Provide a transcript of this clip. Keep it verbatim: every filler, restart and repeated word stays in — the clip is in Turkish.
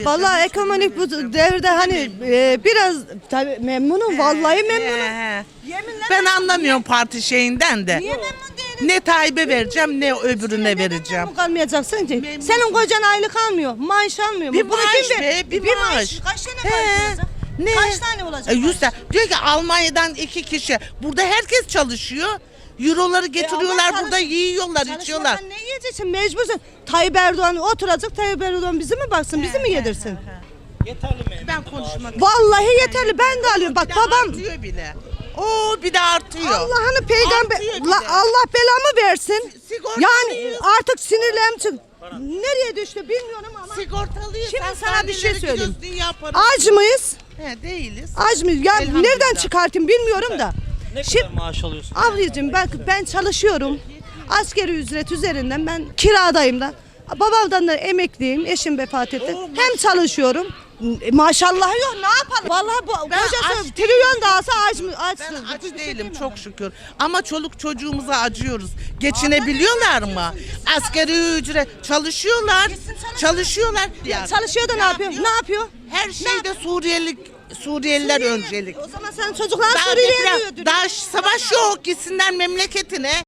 Vallahi ekonomik bu devirde hani e, biraz tabii memnunum, vallahi memnunum. He, he. Yeminle Ben anlamıyorum parti şeyinden de. Niye memnun değilim? Ne Tayyip'e vereceğim ne öbürüne vereceğim. Memnun kalmayacaksın ki. Senin kocan aylık almıyor, maaş almıyor mu? Bir Bunu maaş kim be, bir maaş. Kaç tane He. maaş olacak? Ne? Kaç tane olacak? E, yüz maaş? tane. Diyor ki Almanya'dan iki kişi. Burada herkes çalışıyor. Euroları getiriyorlar E, ama burada çalış- yiyorlar, içiyorlar. Çalışmadan ne yiyeceksin? Mecbursun. Tayyip Erdoğan oturacak, Tayyip Erdoğan bizi mi baksın, bizi mi yedirsin? Ben konuşmak Vallahi yeterli, ben de alıyorum. Bak Bir de babam artıyor bile. Oo bir de artıyor. Allah'ını peygamber Artıyor bir La- de. Allah belamı versin. Sigorta Yani alıyorsun. artık sinirlerim çık. Nereye düştü bilmiyorum ama. Sigortalıyız. Şimdi sana bir şey söyleyeyim. Yaparız. Aç mıyız? He değiliz. Aç mıyız? Ya Elhamdülillah. nereden çıkartayım bilmiyorum da. Ne Şimdi kadar maaş alıyorsun? ablacığım ben ben çalışıyorum. Asgari ücret üzerinden ben kiradayım da. Babamdan da emekliyim. Eşim vefat etti. Oo, Hem çalışıyorum. E, Maşallah yok ne yapalım? Vallahi bu Ben kocası aç trilyon dağısa aç mı Ben açsın. aç değilim çok şükür. Ama çoluk çocuğumuza acıyoruz. Geçinebiliyorlar mı? Asgari ücret çalışıyorlar. Çalışıyorlar. Ya çalışıyor da ne yapıyor? Ne yapıyor? Her şeyde Suriyeli Suriyeliler öncelik. O zaman senin çocuklar Daha, Suriye'ye deprem- gidiyor. daha savaş yok gitsinler memleketine.